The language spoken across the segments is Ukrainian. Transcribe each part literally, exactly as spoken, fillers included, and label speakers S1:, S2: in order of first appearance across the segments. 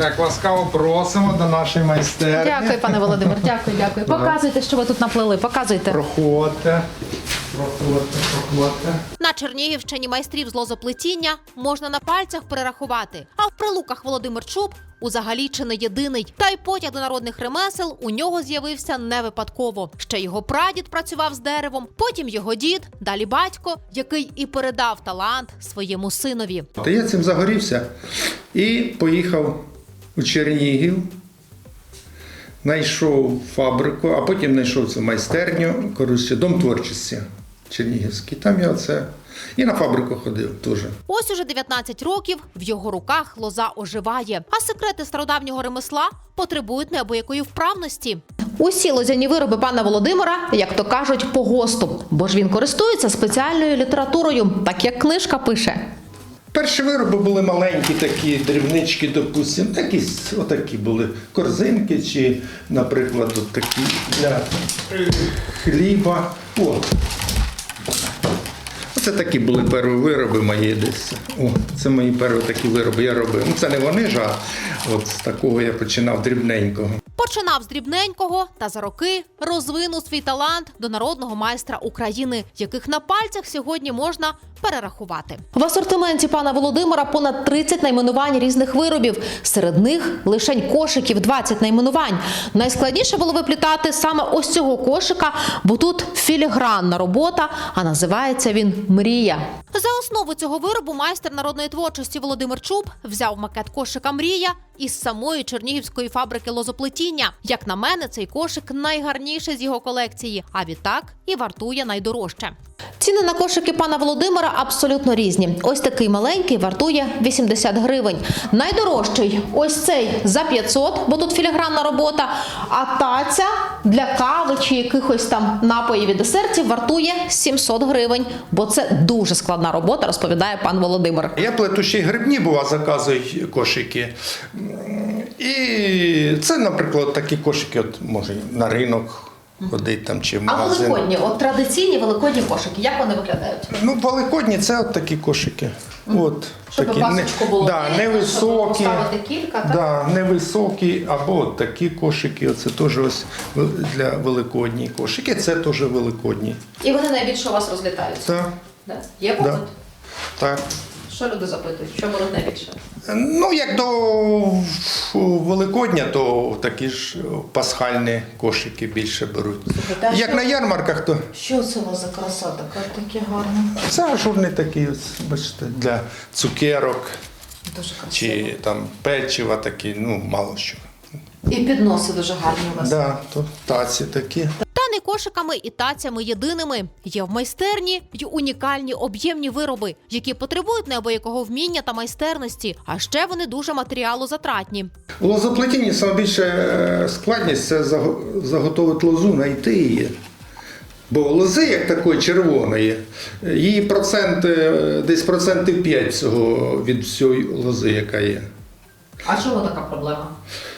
S1: Так, ласкаво просимо до нашої майстерні.
S2: Дякую, пане Володимир, дякую, дякую. Показуйте, що ви тут наплели, показуйте.
S1: Проходьте, проходьте, проходьте.
S3: На Чернігівщині майстрів з лозоплетіння можна на пальцях перерахувати. А в Прилуках Володимир Чуб узагалі чи не єдиний. Та й потяг до народних ремесел у нього з'явився не випадково. Ще його прадід працював з деревом, потім його дід, далі батько, який і передав талант своєму синові.
S4: Та я цим загорівся і поїхав у Чернігів, знайшов фабрику, а потім знайшов цю майстерню, коротше, дом творчості чернігівський. Там я оце і на фабрику ходив теж.
S3: Ось уже дев'ятнадцять років в його руках лоза оживає. А секрети стародавнього ремесла потребують неабиякої вправності.
S2: Усі лозяні вироби пана Володимира, як то кажуть, по ГОСТу, бо ж він користується спеціальною літературою, так як книжка пише.
S4: Перші вироби були маленькі, такі дрібнички, допустимо, якісь отакі були корзинки чи, наприклад, от такі для е, хліба. О. Оце такі були перші вироби мої десь. О, це мої перші такі вироби я робив. Ну, це не вони ж, а от з такого я починав дрібненького.
S3: Починав з дрібненького та за роки розвинув свій талант до народного майстра України, яких на пальцях сьогодні можна перерахувати.
S2: В асортименті пана Володимира понад тридцять найменувань різних виробів. Серед них лишень кошиків двадцять найменувань. Найскладніше було виплітати саме ось цього кошика, бо тут філігранна робота, а називається він «Мрія».
S3: За основу цього виробу майстер народної творчості Володимир Чуб взяв макет кошика «Мрія» із самої чернігівської фабрики лозоплетіння. Як на мене, цей кошик найгарніший з його колекції, а відтак і вартує найдорожче.
S2: Ціни на кошики пана Володимира абсолютно різні. Ось такий маленький вартує вісімдесят гривень. Найдорожчий ось цей за п'ятсот, бо тут філігранна робота, а таця для кави чи якихось там напоїв і десертів вартує сімсот гривень, бо це дуже складна робота, розповідає пан Володимир.
S4: Я плету ще й грибні, бува, заказую кошики. І це, наприклад, такі кошики, от, може, на ринок ходить там чи в
S2: А
S4: магазин.
S2: великодні, от традиційні великодні кошики, як вони виглядають?
S4: Ну, великодні це от такі кошики. От,
S2: Щоб
S4: такі,
S2: пасочку було
S4: да,
S2: видно,
S4: невисокі,
S2: щоб поставити кілька, так?
S4: да, невисокі, або от такі кошики. Оце теж ось для великодні кошики. Це теж великодні.
S2: І вони найбільше у вас розлітаються?
S4: Так,
S2: Да? Є попит?
S4: да, так.
S2: Що люди запитують? Що беруть найбільше?
S4: Ну, як до Великодня, то такі ж пасхальні кошики більше беруть.
S2: Слухайте, а
S4: Як
S2: що-
S4: на ярмарках, то
S2: Що це у вас за краса така, такі гарні?
S4: це ажурні такі, ось, бачите, для цукерок
S2: Дуже красиво.
S4: чи там печива такі, ну, мало що.
S2: І підноси дуже гарні у вас.
S4: Да, то таці такі.
S3: Та не кошиками і тацями єдиними. Є в майстерні й унікальні об'ємні вироби, які потребують неабиякого вміння та майстерності, а ще вони дуже матеріалозатратні.
S4: У лозоплетінні найбільша складність – це заго- заготовити лозу, знайти її. Бо лози, як такої червоної, її процент, е, десь процентів п'ять всього від всієї лози, яка є.
S2: А чому така проблема?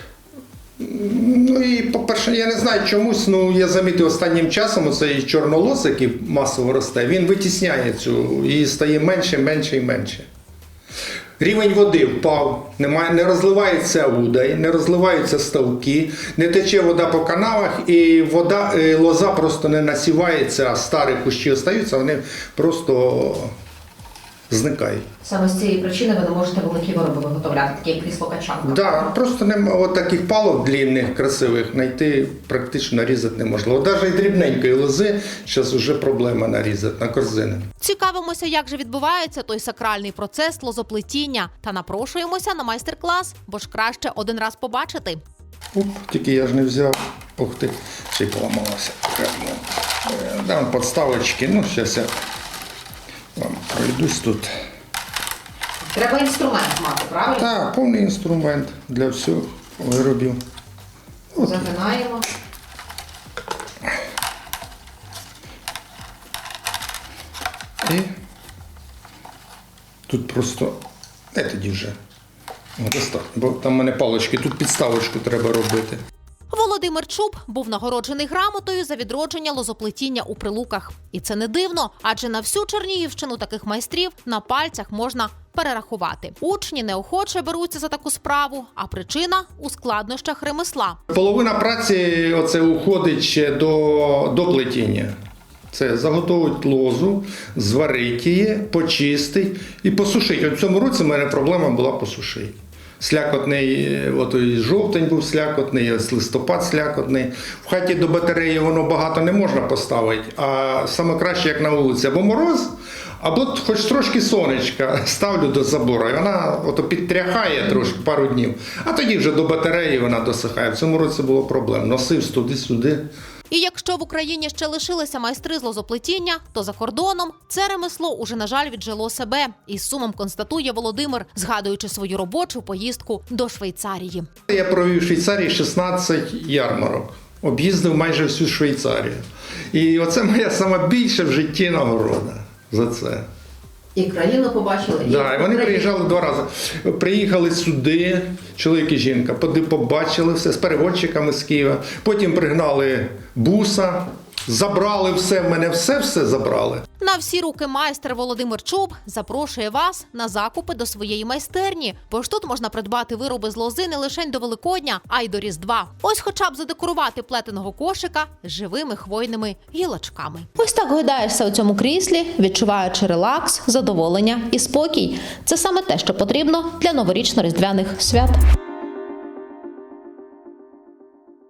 S4: Ну і, по-перше, я не знаю чомусь, ну я замітив останнім часом, оцей чорнолос, який масово росте, він витісняє цю, і стає менше, менше і менше. Рівень води впав, немає, не розливається удай, не розливаються ставки, не тече вода по канавах, і вода, і лоза просто не насівається, а старі кущі остаються, вони просто зникають.
S2: Саме з цієї причини ви не можете великі вироби виготовляти, такі як крісло-качанка.
S4: Да, просто немає от таких палок длинних, красивих, знайти практично нарізати неможливо. Навіть і дрібненької лози зараз вже проблема нарізати на корзини.
S3: Цікавимося, як же відбувається той сакральний процес лозоплетіння, та напрошуємося на майстер-клас, бо ж краще один раз побачити.
S4: Оп, тільки я ж не взяв. Ух ти, ще й поламалося. Дам подставочки, ну зараз я вам пройдусь тут.
S2: Треба інструмент мати, правильно?
S4: Так, повний інструмент для всіх виробів. От.
S2: Загинаємо.
S4: І тут просто, де тоді вже? О, достатньо, бо там в мене палички, тут підставочку треба робити.
S3: Володимир Чуб був нагороджений грамотою за відродження лозоплетіння у Прилуках. І це не дивно, адже на всю Чернігівщину таких майстрів на пальцях можна перерахувати. Учні неохоче беруться за таку справу, а причина у складнощах ремесла.
S4: Половина праці оце уходить ще до, до плетіння. Це заготовить лозу, зварить її, почистить і посушить. От в цьому році в мене проблема була посушити. Слякотний, от і жовтень був слякотний, ось листопад слякотний. В хаті до батареї воно багато не можна поставити, а саме краще, як на вулиці, або мороз, або хоч трошки сонечка ставлю до забору, і вона ото підтряхає трошки пару днів, а тоді вже до батареї вона досихає. В цьому році було проблем. Носив туди-сюди.
S3: І якщо в Україні ще лишилися майстри з лозоплетіння, то за кордоном це ремесло уже, на жаль, віджило себе. Із сумом констатує Володимир, згадуючи свою робочу поїздку до Швейцарії.
S4: Я провів в Швейцарії шістнадцять ярмарок. Об'їздив майже всю Швейцарію. І оце моя сама більша в житті нагорода за це.
S2: І країну побачили.
S4: Так, да, і вони приїжджали два рази. Приїхали сюди, чоловік і жінка, побачили все з переводчиками з Києва. Потім пригнали буса, забрали все, в мене все-все забрали.
S3: На всі руки майстер Володимир Чуб запрошує вас на закупи до своєї майстерні. Бо ж тут можна придбати вироби з лози не лише до Великодня, а й до Різдва. Ось хоча б задекорувати плетеного кошика живими хвойними гілочками.
S2: Ось так гойдаєшся у цьому кріслі, відчуваючи релакс, задоволення і спокій. Це саме те, що потрібно для новорічно-різдвяних свят.